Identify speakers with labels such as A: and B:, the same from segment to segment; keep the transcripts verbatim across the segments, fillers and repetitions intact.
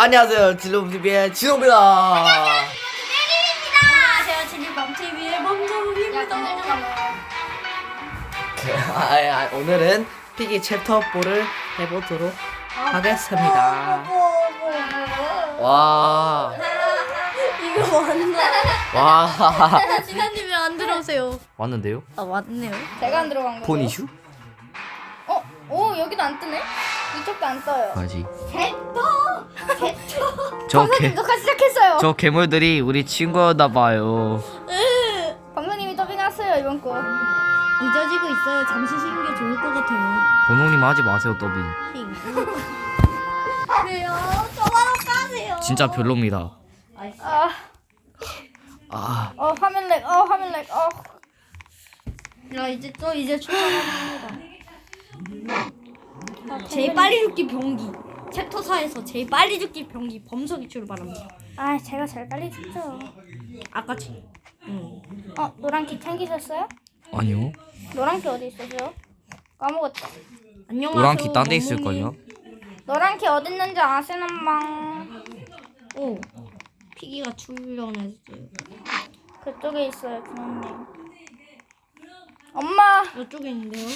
A: 안녕하세요, 진로티비의 진호입니다.
B: 안녕하세요, 진리밤티비의 멈춰입니다.
A: 아, 아, 오늘은 피기 챕터 사를 해보도록 하겠습니다. 와,
B: 이거 맞나?
A: 와,
B: 진아님이 안 들어오세요.
A: 왔는데요?
B: 아 맞네요.
C: 제가 안 들어간 거예요.
A: 폰 이슈?
C: 어? 오 여기도 안 뜨네? 이쪽도 안 떠요.
A: 뭐지?
C: 개떠! 개떠!
A: 저 개,
C: 방송님 녹화 시작했어요.
A: 저 괴물들이 우리 친구였나봐요.
C: 방송님이 더빙하세요 이번 거.
B: 늦어지고 있어요. 잠시 쉬는 게 좋을 것 같아요.
A: 번호님 하지 마세요, 더빙.
C: 그래요? 저만원 까세요.
A: 진짜 별로입니다.
C: 아,
A: 아,
C: 어 화면 렉, 어 화면 렉, 어.
B: 야 이제 또 이제 출발합니다. 제일 빨리 죽기 병기. 챕터 사에서 제일 빨리 죽기 병기 범석이 출발합니다.
C: 아 제가 제일 빨리 죽죠.
B: 아까지. 응.
C: 어 노란키 챙기셨어요?
A: 아니요.
C: 노란키 어디 있었어요? 까먹었다.
B: 안녕하세요.
A: 노란키 딴 데
B: 어머니.
A: 있을걸요?
C: 노란키 어디 있는지 아시는방?
B: 오. 피기가 출연했어요.
C: 그쪽에 있어요 준호님. 엄마.
B: 이쪽에 있는데요.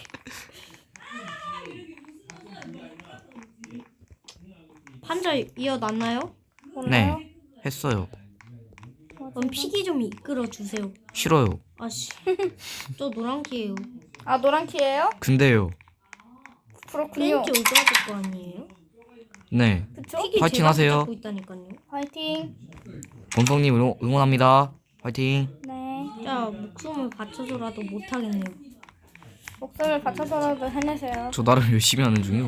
B: 판자 이어놨나요?
C: 몰라요?
A: 네, 했어요.
B: 그럼 피기 좀 이끌어 주세요.
A: 싫어요.
B: 아씨, 저 노란키예요.
C: 아 노란키예요?
A: 근데요.
C: 그렇군요.
B: 벤치 오그라들 거 아니에요?
A: 네.
C: 그쵸?
B: 피기
A: 파이팅
B: 제가
A: 하세요.
B: 붙잡고 있다니까요.
C: 화이팅.
A: 본성님 응원, 응원합니다. 화이팅.
C: 네.
B: 자, 목숨을 바쳐서라도 못하겠네요.
C: 목소리를 받쳐서라도 해내세요.
A: 저 나름 열심히 하는 중이요.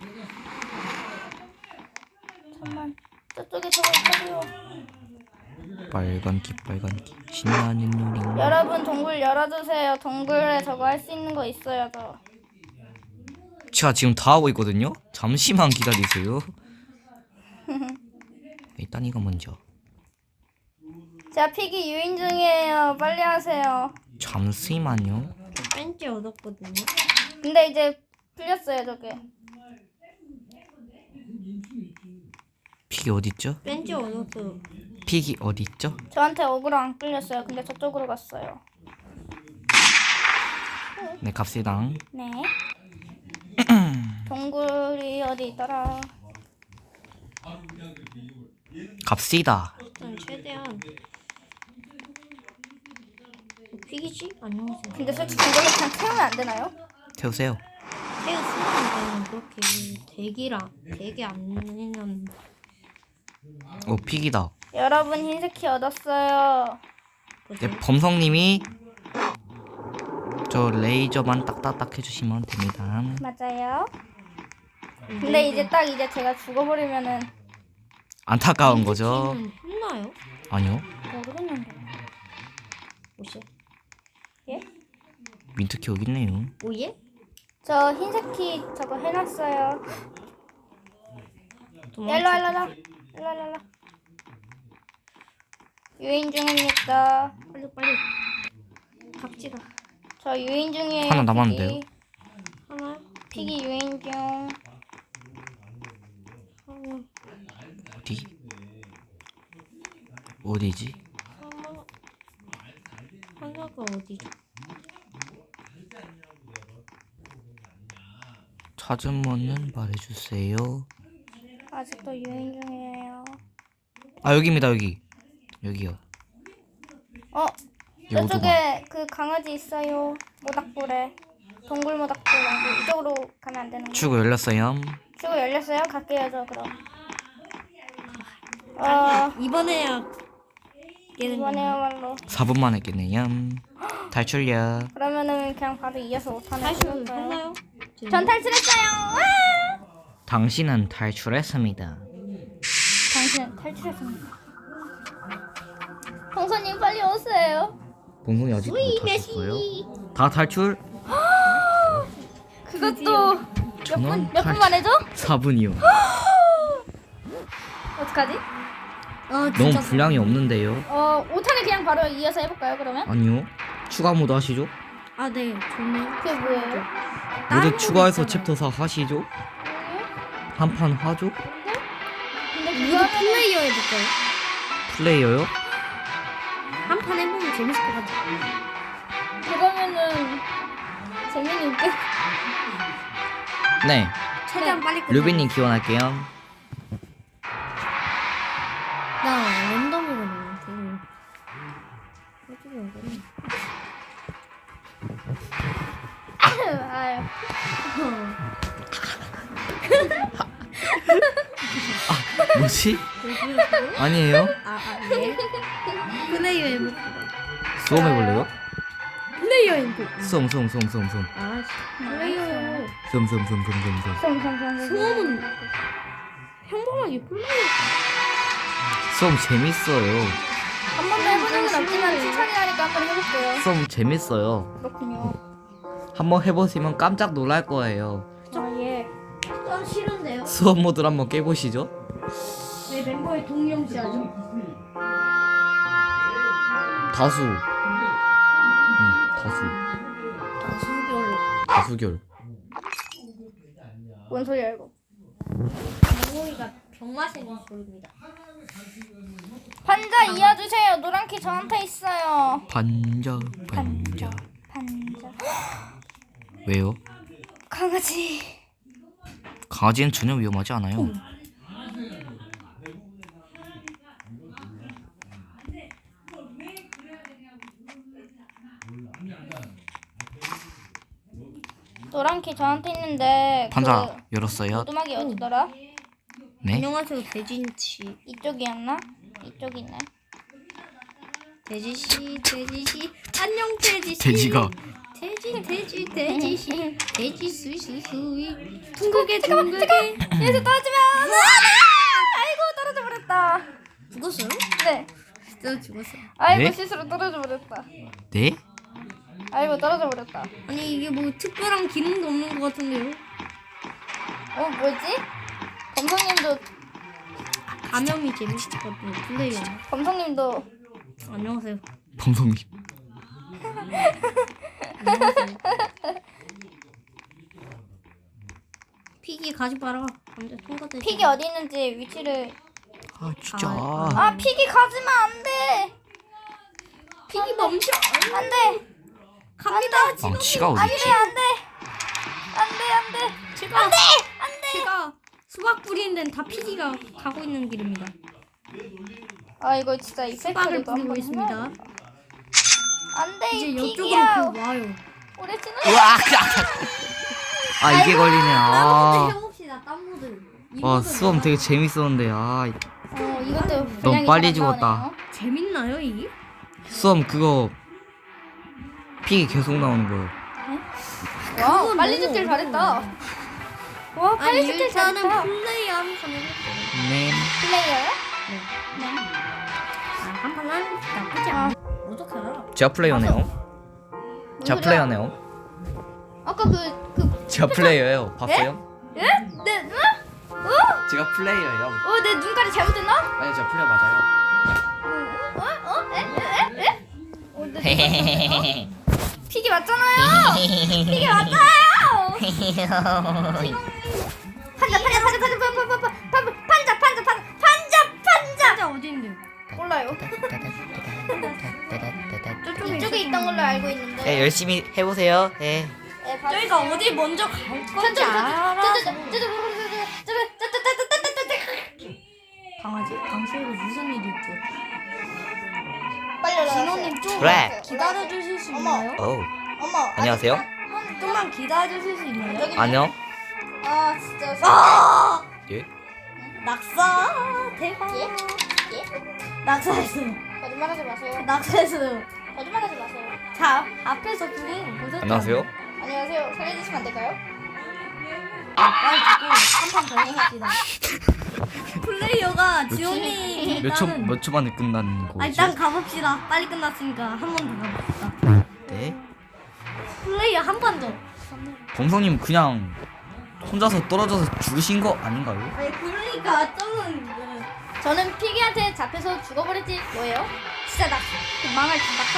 C: 잠만. 저쪽에 저거 있다고요.
A: 빨간 기 빨간 기 신나는 요리.
C: 여러분 동굴 열어주세요. 동굴에 저거 할 수 있는 거 있어요 저.
A: 제가 지금 다 하고 있거든요. 잠시만 기다리세요. 일단 이거 먼저.
C: 제가 피기 유인 중이에요. 빨리 하세요.
A: 잠시만요.
B: 저 벤치 얻었거든요.
C: 근데 이제 풀렸어요 저게.
A: 픽이 어디 있죠?
B: 벤치 얻었어요.
A: 픽이 어디 있죠?
C: 저한테 어그로 안 끌렸어요. 근데 저쪽으로 갔어요.
A: 네, 갑시다.
C: 네. 동굴이 어디 있더라.
A: 갑시다.
B: 일단 최대한 피기지? 안녕하세요.
C: 근데 솔직히 이걸로 그냥 태우면 안 되나요?
A: 태우세요.
B: 태우 쓰는 그렇게 대기라 대기 안 내면
A: 오, 픽이다.
C: 여러분 흰색 키 얻었어요.
A: 네, 범성님이 저 레이저만 딱딱딱 해주시면 됩니다.
C: 맞아요. 근데 이제 딱 이제 제가 죽어버리면은
A: 안타까운 거죠?
B: 피는 했나요?
A: 아니요.
C: 모르겠는데.
B: 오예?
C: 예?
A: 민트키 여기 있네요.
B: 오예?
C: 저 흰색 키 저거 해놨어요.
B: 도망쳐.
C: 일로 일로 일로 일로 일로. 유인 중입니다.
B: 빨리 빨리 갑시다.
C: 저 유인 중이에요.
A: 하나 남았는데요?
C: 피기.
B: 하나
C: 피기 유인 중.
B: 하나
A: 어디? 어디지?
B: 하나 하나가 어디죠?
A: 찾으면은 말해주세요.
C: 아직도 유인 중이에요.
A: 아, 여기입니다. 여기. 여기요.
C: 어,
A: 이 오두막.
C: 저쪽에 그 강아지 있어요. 모닥불에. 동굴 모닥불. 이쪽으로 가면 안 되는 거.
A: 출구 열렸어요.
C: 출구 열렸어요? 갈게요, 저 그럼. 어,
B: 이번에야 깨는 거.
C: 이번에야말로.
A: 사 분 만에 깼네요. 탈출이야.
C: 그러면은 그냥 바로 이어서 오 탄을
B: 탈출
C: 해볼까요?
B: 했나요?
C: 전 탈출했어요. 와!
A: 당신은 탈출했습니다.
C: 당신은 탈출했습니다. 홍선님 빨리 오세요.
A: 본성이 아직 못 하셨어요? 다 탈출?
C: 그것도 몇
A: 저는
C: 분, 몇 분
A: 탈출-
C: 만에죠?
A: 사 분이요.
C: 어떡하지?
B: 아
A: 너무
B: 진짜
A: 분량이 없는데요?
C: 어, 오 탄을 그냥 바로 이어서 해볼까요, 그러면?
A: 아니요. 추가 모드 하시죠?
B: 아네 좋네요.
C: 그게 뭐예요?
B: 다른
A: 모두
B: 거
A: 추가해서
B: 있잖아요.
A: 챕터 사 하시죠? 한 판 하죠?
C: 근데
B: 우리도
C: 그거는
B: 플레이어 해볼까요?
A: 플레이어요?
B: 한 판 해보면 재밌을 것 같아.
C: 그러면은 재민이 웃겨.
A: 네.
B: 최대한 빨리 끝내.
A: 루비님 기원할게요.
B: 나 랜덤으로 넣어. 어떻게 이거는?
C: 아유.
A: 뭐지? 아니에요?
B: 아, 아, 예. 플레이어 해볼까?
A: 수험 해볼래요?
B: 플레이어 해볼까?
A: 수험 수험 수험 수험 수험
B: 아, 플레이어요.
A: 수험 수험 수험 수험 수험 수험
C: 성성성.
B: 수험은 평범하게 플레이어.
A: 수험 재밌어요.
C: 한 번도 해본 적은 없지만 추천이 하니까 한번 해볼게요.
A: 수험 재밌어요.
C: 그렇군요.
A: 한번 해보시면 깜짝 놀랄 거예요.
C: 아 예.
B: 좀 싫은데요?
A: 수업 모드를 한번 깨보시죠.
B: 내 멤버의 동영시하죠.
A: 다수. 응, 다수.
B: 다수결.
A: 다수결.
C: 뭔 소리야 이거?
B: 멍멍이가 병 마시는 소리입니다.
C: 판자 이어주세요. 노란키 저한테 있어요.
A: 반자, 반자.
C: 판자.
A: 왜요?
C: 강아지.
A: 강아지는 전혀 위험하지 않아요.
C: 노란키 저한테 있는데
A: 판자
C: 그
A: 열었어요.
C: 오두막이 어디더라?
A: 네?
B: 안녕하세요, 대진치.
C: 이쪽이었나? 이쪽이네.
B: 돼지씨, 돼지씨. 안녕, 돼지씨.
A: 돼지가
B: 돼지, 돼지, 돼지씨. 돼지, 수수수이. 둥글게, 둥글게.
C: 여기서 떨어지면 아이고 떨어져 버렸다.
B: 죽었어요?
C: 네.
B: 진짜 죽었어요.
C: 아이고
A: 네?
C: 실수로 떨어져 버렸다.
A: 네?
C: 아이고 떨어져 버렸다.
B: 아니, 이게 뭐 특별한 기능도 없는 것 같은데요?
C: 어 뭐지? 검성님도
B: 감염이 재밌을 것 같아요, 플레이어.
C: 검성님도
B: 안녕하세요.
A: 범성님.
B: 안녕하세요. 피기 가지 마라. 감자 통과돼.
C: 픽이 어디 있는지 위치를.
A: 아 진짜.
B: 아,
C: 아 픽이 가지면 안 돼.
B: 피기 멈춰.
C: 안 돼.
B: 갑니다.
A: 아 치가 어디
C: 안돼
A: 있지?
C: 안돼. 안돼 안돼.
B: 제가 안돼 안돼. 제가 수박 뿌리는 데는 다 피기가 가고 있는 길입니다.
C: 아 이거 진짜
B: 수박을
C: 이펙트를
B: 뿌리고 있습니다.
C: 안돼
B: 이제
C: 이
B: 이쪽으로
C: 픽이야.
B: 그 와요.
C: 우리 지는
A: 으악! 아 이게 걸리네.
B: 땀 모드
A: 아.
B: 해봅시다. 땀 모드. 이
A: 와
B: 모드
A: 수험
B: 뭐야?
A: 되게 재밌었는데 아
C: 어 이것도
A: 너무
C: 분량이
A: 빨리
C: 잘
A: 죽었다.
C: 나오네요.
B: 재밌나요 이게?
A: 수험 그거 픽이 계속 나오는 거예요.
C: 와
B: 그건
C: 빨리
B: 너무
C: 죽길
B: 어려워.
C: 잘했다. 와
B: 아니
C: 빨리 죽길
B: 일단은
C: 잘했다.
B: 플레이 한번 해볼게요.
A: 네.
C: 플레이어요?
B: 네. 아, 한판 하는 거 나쁘지
C: 아.
B: 않아. 어떻게 알아?
A: 제가 플레이어네요.
C: 뭔
A: 제가
C: 소리야?
A: 플레이어네요.
C: 아까 그그
A: 제가 플레이어예요. 봤어요?
C: 예? 내 눈? 어?
A: 제가 플레이어예요.
C: 어, 내 눈깔이 잘못됐나?
A: 아니 제가 플레이어 맞아요.
C: 어? 어? 에? 에? 에? 에? 어, 내 눈깔이 잘못됐나? 픽이 맞잖아요. 픽이 맞아요. 판자, 판자, 판자, 판자, 판자, 판자, 판자, 판자, 판자, 판자, 판자.
B: 진짜 어디 있는데요?
C: 몰라요. 이쪽에 있던 걸로 알고 있는데.
A: 네 열심히 해보세요. 네.
C: 네, 봐주세요.
B: 저희가 어디 먼저 갈 건지 알아. 강아지, 당신에게 무슨 일이 있죠?
C: 빨리 올라가세요.
B: 진호님 좀
A: 그래.
B: 기다려 주실 수 있나요?
A: 오.
C: 어머.
A: 안녕하세요.
B: 좀만 기다려 주실 수 있나요?
C: 여기-
A: 안녕.
C: 아 진짜.
B: 아!
A: 예?
B: 낙사 대박.
C: 예? 예?
B: 낙사했어요.
C: 거짓말하지 마세요.
B: 낙사했어요.
C: 거짓말하지 마세요.
B: 자, 앞에서 죽은 거 보셨죠?
A: 안녕하세요.
C: 안녕하세요. 살려주시면 안 될까요?
B: 아, 빨리 죽고 한 판 더 해봅시다. 플레이어가 지원이
A: 몇 초 몇 초 만에 끝나는
B: 아,
A: 거지?
B: 일단 가봅시다. 빨리 끝났으니까 한 번 더 가봅시다.
A: 네.
B: 플레이어 한 판 더.
A: 범성님 그냥 혼자서 떨어져서 죽으신 거 아닌가요?
B: 아니 그러니까 점은 이거.
C: 저는 피기한테 잡혀서 죽어버렸지 뭐예요? 진짜 낙 그 망할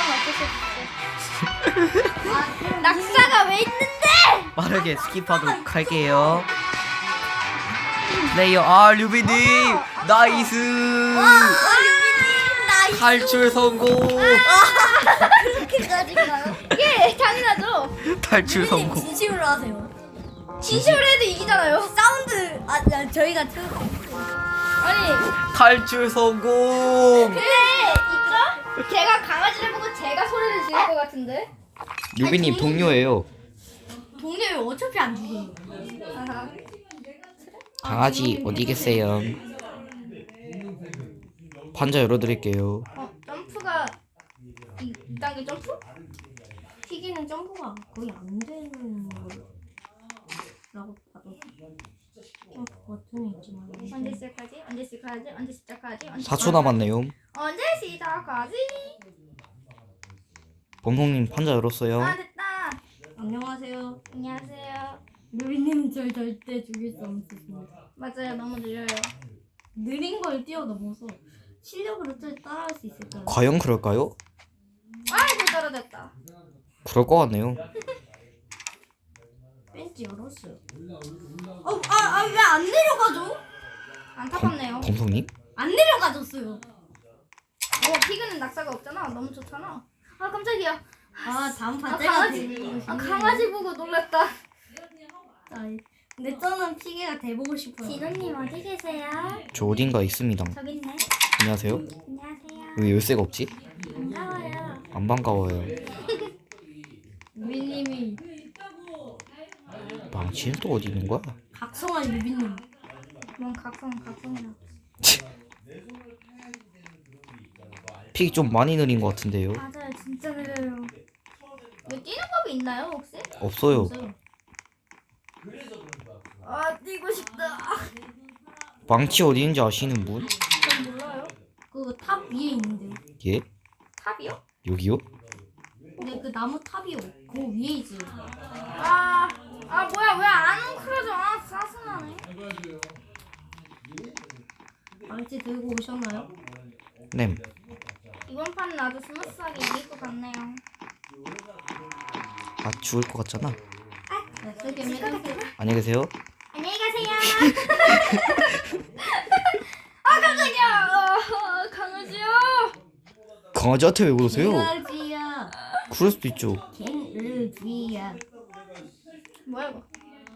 C: 낙사가 어쩔 수 없어.
B: 아, 그럼
C: 낙사가 왜 있는데?
A: 빠르게 스킵하도록 할게요. 플레이어 아 류비님 나이스.
B: 나이스.
A: 탈출 성공.
B: 그렇게까지 가요?
C: 예, 당연하죠.
A: 탈출
B: 류비님
A: 성공.
B: 진심으로 하세요.
C: 진심으로 해도 이기잖아요.
B: 사운드 아, 아 저희가 틀.
C: 아니,
A: 탈출 성공.
C: 근데 이거 제가 강아지를 보고 제가 소리를 지를 것 같은데.
A: 류비님 동료예요.
B: 동료를 어차피 안 죽어요.
C: 아하.
A: 강아지 어디 계세요? 판자 열어드릴게요.
C: 어, 점프가 이, 이 단계 점프?
B: 튀기는 점프가 거의 안 되는 거라고 봐도 좀 버튼이 있지만
C: 언제 시작하지? 언제 시작하지? 언제 시작하지? 언제
A: 사 초 남았네요.
C: 언제 시작하지?
A: 범송님 판자 열었어요.
C: 아 됐다.
B: 안녕하세요.
C: 안녕하세요.
B: 누리님 절 절대 죽일 수 없습니다.
C: 맞아요, 너무 느려요.
B: 느린 걸 뛰어넘어서 실력으로 절 따라할 수 있을까요?
A: 과연 그럴까요?
C: 아이고 떨어졌다.
A: 그럴 것 같네요.
B: 벤치 열었어요. 어, 아, 아, 왜 안 내려가죠?
C: 안타깝네요.
A: 범송님?
B: 안 내려가졌어요.
C: 어, 피그는 낙사가 없잖아. 너무 좋잖아. 아 깜짝이야.
B: 아, 다음 판
C: 아,
B: 제가
C: 강아지.
B: 데리고
C: 아
B: 싶네요.
C: 강아지 보고 놀랐다.
B: 아, 근데 저는 피게가 돼보고 싶어요.
C: 진호님 어디 계세요?
A: 저 어딘가 있습니다.
C: 저기 있네.
A: 안녕하세요.
C: 안녕하세요.
A: 왜 열쇠가 없지?
C: 반가워요.
A: 안 반가워요.
B: 유비님이
A: 망치는 또 어디 있는 거야?
B: 각성한 유비님.
C: 뭔 각성 각성이라.
A: 픽이 좀 많이 느린 것 같은데요.
C: 맞아요, 진짜 느려요. 왜 뛰는 법이 있나요 혹시?
A: 없어요.
B: 없어요.
C: 아 뛰고 싶다.
A: 망치 어디 있는지 아시는 분?
C: 전 몰라요.
B: 그 탑 위에 있는데요.
A: 예?
C: 탑이요?
A: 여기요?
B: 근데 그 나무 탑이요. 그 위에 있어요.
C: 아, 아 뭐야 왜 안 웅크려져? 아 짜증나네.
B: 망치 들고 오셨나요?
A: 네.
C: 이번 판은 아주 스무스하게 이길 것 같네요.
A: 아 죽을 것 같잖아.
B: 네, 세게 med으세요.
A: 안녕히 계세요.
C: 안녕히 가세요. 아 깜짝이야. 어, 강아지요.
A: 강아지한테 왜 그러세요?
B: 강아지야.
A: 그럴 수도 있죠.
B: 갱을쥐야.
C: 뭐야 이거?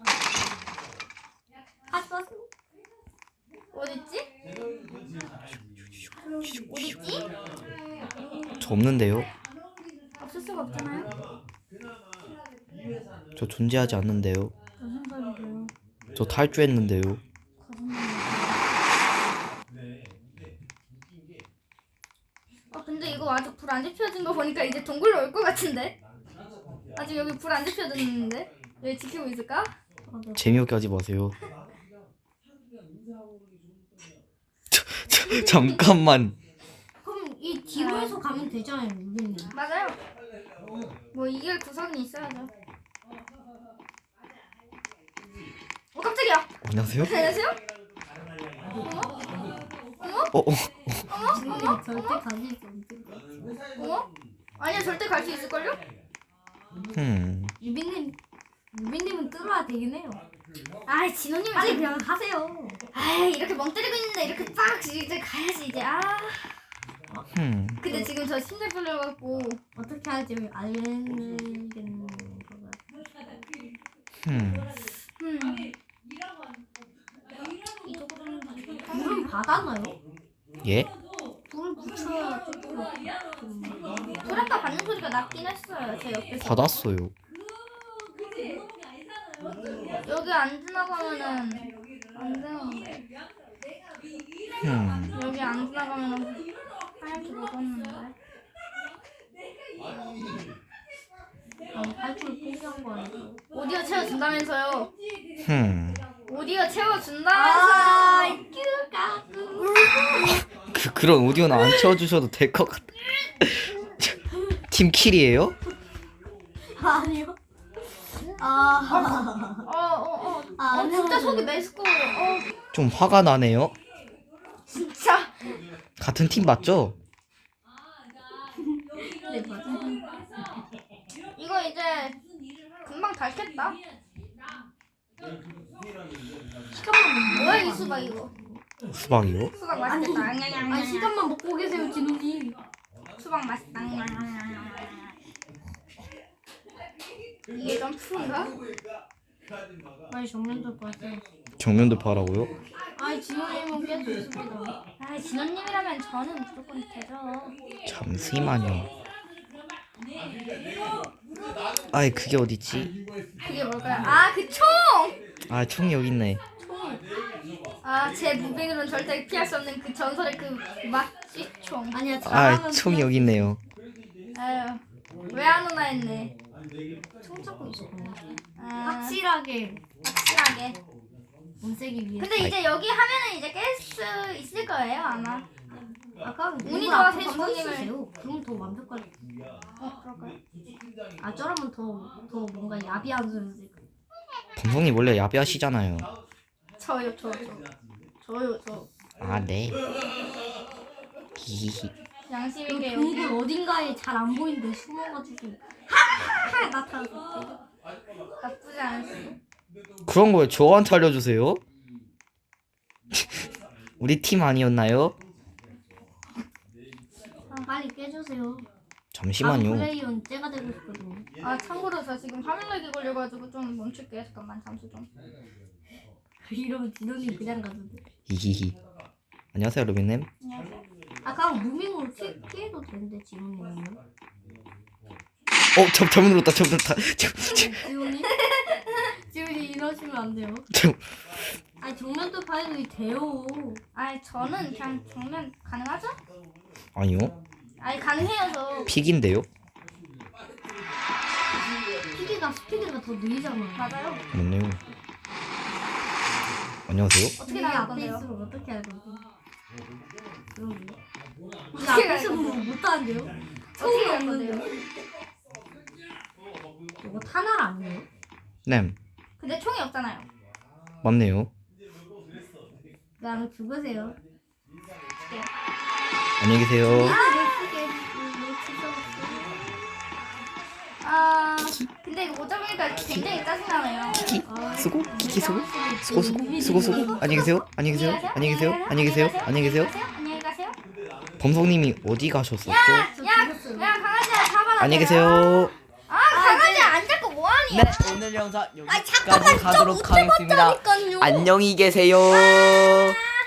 B: 아빠
C: 어딨지? 어딨지?
A: 저 없는데요.
C: 없을 수가 없잖아요.
A: 저 존재하지 않는데요.
C: 무슨 소리세요?
A: 저 탈주했는데요.
C: 아 근데 이거 아직 불 안 지펴진 거 보니까 이제 동굴로 올 것 같은데? 아직 여기 불 안 지펴졌는데? 여기 지키고 있을까?
A: 재미없게 하지 마세요. 저, 저, 잠깐만.
B: 그럼 이 뒤로 해서 가면 되잖아요, 유비님.
C: 맞아요. 뭐 이길 구석이 있어야죠. 어 깜짝이야.
A: 안녕하세요.
C: 안녕하세요? 어머? 어머?
A: 어, 어.
B: 유비님 절대 가질 수 없을 것 같아요.
C: 어머? 아니야 절대 갈 수 있을걸요?
A: 음.
B: 유비님, 유비님은 뚫어야 되긴 해요.
C: 아이 진호님
B: 빨리
C: 이제
B: 그냥 하세요.
C: 아이 이렇게 멍 때리고 있는데 이렇게 빡 이제 가야지 이제 아
A: 음.
C: 근데 지금 저 심장 풀려갖고
B: 어떻게 할지 알겠는 것 같아요.
A: 음.
C: 음
B: 불은 받았나요?
A: 예?
B: 불을 붙여야 조금 좀
C: 소리가 받는 소리가 났긴 했어요 제 옆에서.
A: 받았어요.
C: 여기 안 지나가면은 안 되는데
A: 음.
C: 여기 안 지나가면은 하얗게 먹었는데
B: 어, 탈출 포기한 거 아니에요?
C: 오디오 채워준다면서요.
A: 음.
C: 오디오 채워준다면서요.
A: 그 그런 오디오는 안 채워주셔도 될 것 같아. 팀킬이에요?
B: 아니요. 아,
C: 어어어 어,
B: 아,
C: 어, 진짜
B: 아니요.
C: 속이 메스꺼워요. 어
A: 좀 화가 나네요.
C: 진짜.
A: 같은 팀 맞죠?
B: 네 맞아요.
C: 이거 이제 금방 닳겠다. 뭐야 이 수박 이거?
A: 수박이요?
C: 수박 맛있겠다.
B: 아니 시간만 먹고 계세요 진우님.
C: 수박 맛있다. 이게 좀 푸른가?
B: 아니 정면도 봤어요.
A: 정면도 파라고요?
B: 아니 진우님은 깨도 있습니다.
C: 아 진원님이라면 저는 무조건 되죠.
A: 잠시만요. 아이 그게 어딨지?
C: 그게 뭘까요? 아 그 총!
A: 아 총이 여기 있네.
C: 아 제 무빙으로는 절대 피할 수 없는 그 전설의 그 막쥐총.
B: 아니야
A: 아
B: 잘하면
A: 총이 여기 있네요.
C: 아유 왜 안 오나 했네.
B: 총 잡고 있었거든요.
C: 아,
B: 확실하게
C: 확실하게.
B: 못 세기 위해.
C: 근데 이제 여기 하면은 이제 깰 수 있을 거예요 아마.
B: 아까
C: 운이 좋아서
B: 더
C: 주먹님을-
B: 쓰세요. 그럼 더 완벽할.
C: 어 그럴까요?
B: 아 저러면 더더 뭔가 야비한 소리.
A: 범성님 원래 야비하시잖아요.
C: 저요 저 저. 저요 저.
A: 아 네. 히히히.
C: 양심
B: 그
C: 있게 여기.
B: 동굴 어딘가에 잘 안 보이는데 숨어가지고 하하 나타났어.
C: 나쁘지 않았어.
A: 그런 걸 저한테 알려주세요. 우리 팀 아니었나요?
B: 빨리 깨주세요.
A: 잠시만요.
B: 플레이어는 째가 되고 싶거든요.
C: 아 참고로 저 지금 화면락이 걸려가지고 좀 멈출게요. 잠깐만 잠수 좀.
B: 이러면 진원님 그냥 가던데.
A: 히히히. 안녕하세요 루비님.
C: 안녕하세요.
B: 아까 무빙으로 피, 피해도 되는데 진원님은요?
A: 어, 저 잘못 눌렀다. 잘못 눌렀다. 저, 저,
B: 지훈이? 지훈이 이러시면 안 돼요.
A: 저,
B: 아니 정면도 파이도 돼요.
C: 아 저는 그냥 정면 가능하죠?
A: 아니요.
C: 아니 가능해요 저.
A: 픽인데요.
B: 스피드가 스피드가 더 느리잖아요.
C: 맞아요.
A: 맞네요. 안녕하세요.
C: 어떻게
B: 이게
C: 나갈
B: 앞에
C: 건데요?
B: 있으면 어떻게 할 건데? 그러게. 우리
C: 어떻게
B: 앞에
C: 할
B: 있으면 뭐 못하는데요?
C: 어떻게
B: 처음이
C: 할
B: 없는데요?
C: 건데요?
B: 이거 타날 아니에요?
A: 네,
C: 근데 총이 없잖아요.
A: 맞네요.
B: 그냥 죽으세요.
A: 안녕히 계세요.
C: 아, 아 근데 이거 못 잡으니까 굉장히 짜증나네요.
A: 키키
B: 아,
A: 수고 키키 수고 수고 수고
B: 이미
A: 수고 수고. 안녕히 계세요. 안녕히 계세요. 안녕히 계세요. 안녕히 계세요. 안녕히 계세요.
C: 안녕히 가세요.
A: 범성님이 어디 가셨었죠?
C: 야, 야 강아지야 잡아라.
A: 안녕히 계세요.
C: 아 강아지 안 잡고 뭐하니?
A: 네, 오늘 영상 여기까지 가도록 하겠습니다.
C: 잠깐만요.
A: 안녕히 계세요.